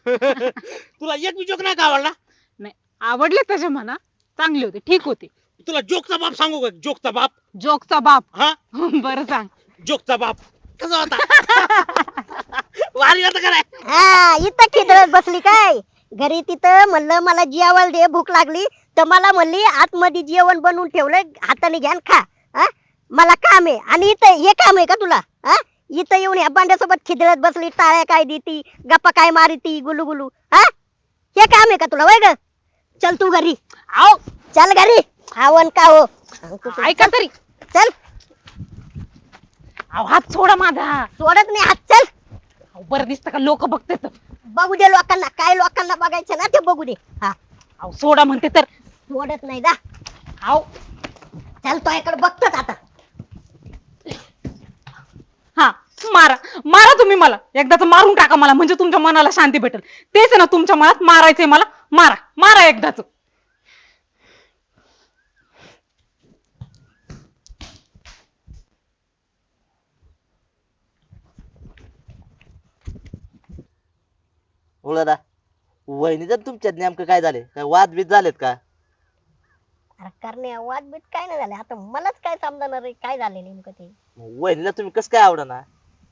तुला एक बी जोक नाही का आवडला? नाही आवडले त्याचे म्हणा, चांगले होते, ठीक होते. तुला जोकचा बाप सांगू का? जोकचा बाप. जोकचा बाप. हा बरं सांग. जोकचा बाप कसा होता? वारी होता का नाही? हा इथं खिदळत बसली काय? घरी तिथं म्हणलं मला जेवायला दे, भूक लागली तर मला म्हणली आतमध्ये जेवण बनवून ठेवलं, हाताने घ्या आणि खा. हा मला काम आहे आणि इथं हे काम आहे का तुला? हा इथं येऊन ह्या बांड्यासोबत खिदळत बसली, टाळ्या काय देती, गप्पा काय मारती, गुलू गुलू. हा हे काम आहे का तुला? वय ग चल तू घरी. आओ चल घरी. आवन का हो सांगतो तुला. ऐका तरी. चल अहो हात सोडा माझा. सोडत नाही हात. चल अहो, बरं दिसतं का लोक बघतात. बघू दे लोकांना, काय लोकांना बघायचं ना ते बघू दे. हा अहो सोडा म्हणते तर. सोडत नाही जा. अहो चल तो इकडे बघतोच आता. हा मारा मारा तुम्ही मला, एकदाच मारून टाका मला, म्हणजे तुमच्या मनाला शांती भेटेल. तेच आहे ना तुमच्या मनात, मारायचंय मला. मारा मारा एकदाच. बोला ना, वहिनीचं तुमच्यात नेमकं काय झाले? काय वाद बीत झालेत का? अरे करणे वाद बीत काय नाही झाले, आता मलाच काय समजणार आहे काय झाले नेमकं ते. वहिनीला तुम्ही कसं काय आवडना?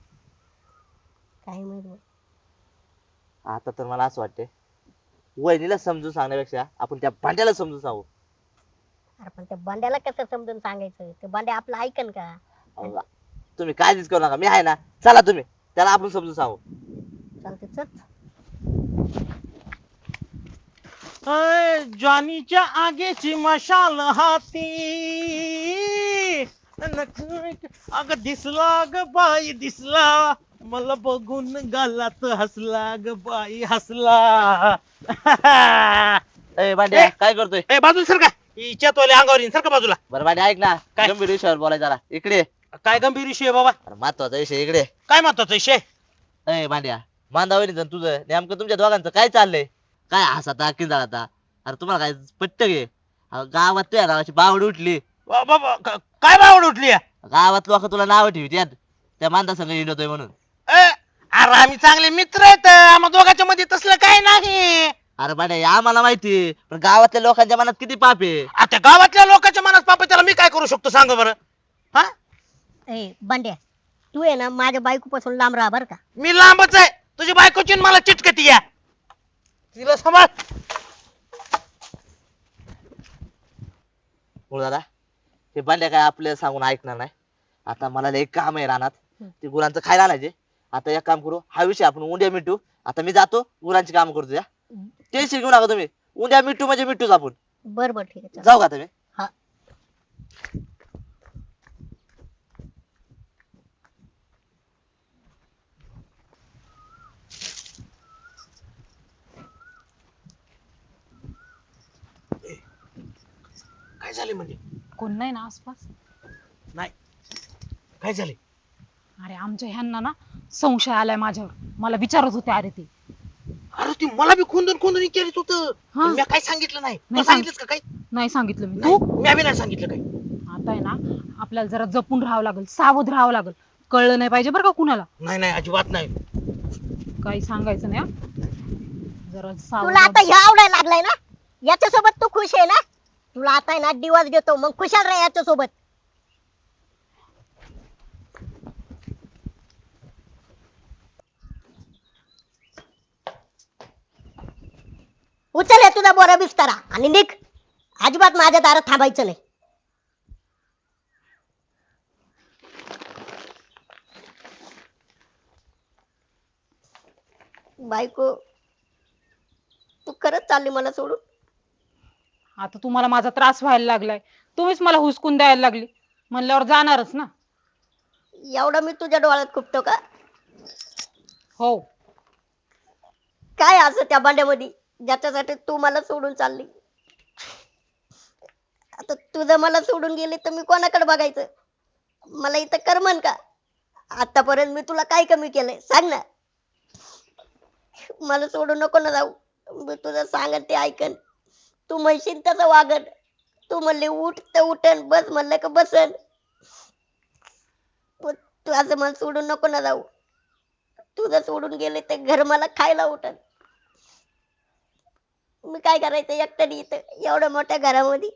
काय माहित बा. आता तर मला असं वाटतंय, वहिनीला समजून सांगण्यापेक्षा आपण त्या भांड्याला समजून सांगू. अरे पण त्या बांड्याला कसं समजून सांगायचं? ते बांड्या आपलं ऐकन का? अहो, तुम्ही काळजीच करू नका, मी आहे ना. चला तुम्ही त्याला आपण समजून सांगू. चालते चल. जॉनीच्या आगेची मशाल हाती, अग दिसला ग बाई दिसला, मला बघून गालात हसला ग बाई हसला. ए भांड्या काय करतोय? ए बाजूला सर का हिच्या तोले अंगावर येईन, सर का बाजूला. बरं भांड्या ऐक ना, काय? गंभीर विषयावर बोलायचं जरा. इकडे ये. काय गंभीर विषय आहे बाबा? अरे महत्वाचा विषय इकडे ये. काय महत्वाचा विषय? ए भांड्या, मांदावणी तुझं नेमकं तुमच्या दोघांचं काय चाललंय? काय हसाता किंजाळता? अरे तुम्हाला काय पट्ट घे? गावात तुझ्या नावाची बावड उठली. बाबा काय बावड उठली आहे? गावात लोक तुला नाव ठेवतात त्या मांदा संघ हिंडतोय म्हणून. अरे आम्ही चांगले मित्र आहेत, आम्हा दोघांच्या मध्ये तसलं काय नाही. अरे भांड्या आम्हाला माहिती, पण गावातल्या लोकांच्या मनात किती पाप आहे. आता गावातल्या लोकांच्या मनात पाप आहे, त्याला मी काय करू शकतो सांग बरं? हा ए बांड्या तू आहे ना माझ्या बायकोपासून लांब राहा बर का. मी लांबच आहे, तुझी बायकोची आणि मला चिटकती या. तिला सांभाळ. बोल दादा, हे भांड्या काय आपल्याला सांगून ऐकणार नाही. आता मला लय काम आहे रानात, ते गुरांचं खायला आणायचे. आता एक काम करू, हा विषय आपण उद्या मिटू. आता मी जातो गुरांची काम करतो. या टेन्शन घेऊ नका तुम्ही, उद्या मिटू म्हणजे मिटूच आपण. बर बर ठीक आहे चल. जाऊ का तुम्ही? हा काय झाले म्हणजे? कोण नाही ना आसपास? नाही काय झाले? अरे आमच्या ह्यांना ना संशय आलाय माझ्यावर, मला विचारत होते. अरे ते अरे ती मला बी खोंदून खोंदून विचारित होत, हा. मी काय सांगितलं नाही. नाही तू सांगितलंस का काही? नाही सांगितलं मी. नाही, तू मी बी नाही सांगितलं काही. आता आहे ना आपल्याला जरा जपून राहावं लागेल, सावध राहावं लागेल. कळलं नाही पाहिजे बरं का कुणाला, नाही नाही अजिबात नाही. काही सांगायचं नाही हा. जरा सावध तुला आता ह्या आवडायला लागलाय ना, याच्यासोबत तू खुश आहे ना? तुला आता आहे ना दिवस देतो, मग खुशाल राहा याच्यासोबत. उचल हे तुझा बोरा बिस्तारा आणि निघ. अजिबात माझ्या दारात थांबायचं नाही. बायको तू खरंच चालली मला सोडून? आता तुम्हाला माझा त्रास व्हायला लागलाय, तुम्हीच मला हुसकून द्यायला लागली म्हणल्यावर जाणारच ना. एवढं मी तुझ्या डोळ्यात खुपतो का? हो काय असं त्या भांड्यामध्ये ज्याच्यासाठी तू मला सोडून चालली? आता तुझं मला सोडून गेले तर मी कोणाकडे बघायचं? मला इथं करमन का? आतापर्यंत मी तुला काय कमी केलंय सांग ना. मला सोडून नको ना जाऊ. मी तुझं सांगन ते ऐकन, तू म्हणशील तसं वागन. तू म्हणले उठ तर उठन, बस म्हणलं का बसन. पण तू असं मला सोडून नको ना जाऊ. तुझं सोडून गेले तर घर मला खायला उठन. मी काय करायचं एकट्याने इथं एवढ्या मोठ्या घरामध्ये.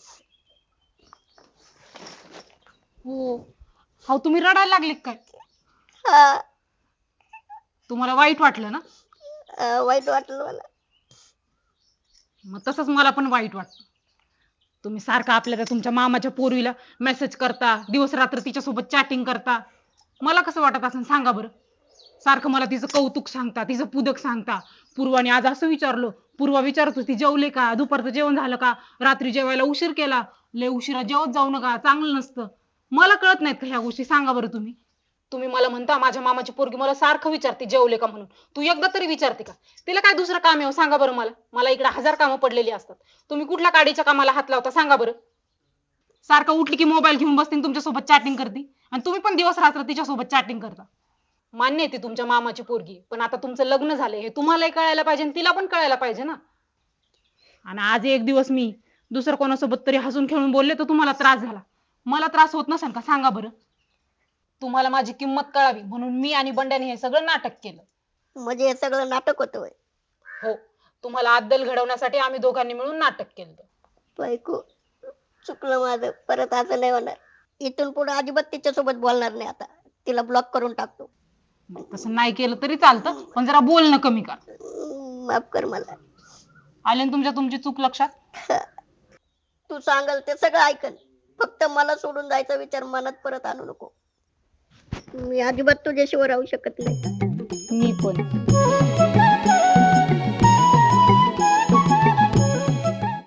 हो हो तुम्ही रडायला लागले काय? हा. तुम्हाला वाईट वाटलं ना? वाईट वाटलं मला. मग तसंच मला पण वाईट वाटतं. तुम्ही सारखं आपल्या त्या तुमच्या मामाच्या पोरीला मेसेज करता, दिवस रात्र तिच्यासोबत चॅटिंग करता. मला कसं वाटत असेल सांगा बरं. सारखं मला तिचं कौतुक सांगता, तिचं पुदक सांगता. पूर्वाने आज असं विचारलं, पूर्वा विचारत होती जेवले का, दुपारचं जेवण झालं का, रात्री जेवायला उशीर केला, लय उशिरा जेवत जाऊ नका, चांगलं नसतं. मला कळत नाहीत का ह्या गोष्टी? सांगा बरं तुम्ही. तुम्ही मला म्हणता माझ्या मामाची पोरगी मला सारखं विचारते जेवले का म्हणून. तू एकदा तरी विचारते का? तिला काय दुसरं काम आहे हो? सांगा बरं मला. मला इकडे 1000 कामं पडलेली असतात. तुम्ही कुठल्या काडीच्या कामाला हात लावता सांगा बरं. सारखं उठली की मोबाईल घेऊन बसते आणि तुमच्यासोबत चॅटिंग करते, आणि तुम्ही पण दिवस रात्र तिच्यासोबत चॅटिंग करता. मान्य आहे ती तुमच्या मामाची पोरगी, पण आता तुमचं लग्न झालंय हे तुम्हालाही कळायला पाहिजे आणि तिला पण कळायला पाहिजे ना. आणि आज एक दिवस मी दुसरं कोणासोबत तरी हसून खेळून बोलले तर तुम्हाला त्रास झाला. मला त्रास होत नसेल का सांगा बरं. तुम्हाला माझी किंमत कळावी म्हणून मी आणि बंड्याने हे सगळं नाटक केलं. म्हणजे हे सगळं नाटक होतं होय. हो, तुम्हाला अद्दल घडवण्यासाठी आम्ही दोघांनी मिळून नाटक केलं. बायको, चुकलं माझं. परत असं नाही होणार. इथून पुढे अजिबात तिच्यासोबत बोलणार नाही आता. तिला ब्लॉक करून टाकतो. तसं नाही केलं तरी चालतं, पण जरा बोलणं कमी कर. माफ कर मला. आले ना तुमची चूक लक्षात? तू सांगल ते सगळं ऐकन, फक्त मला सोडून जायचा विचार मनात परत आणू नको. मी अजिबात तुझ्याशिवाय राहू शकत नाही. मी पण.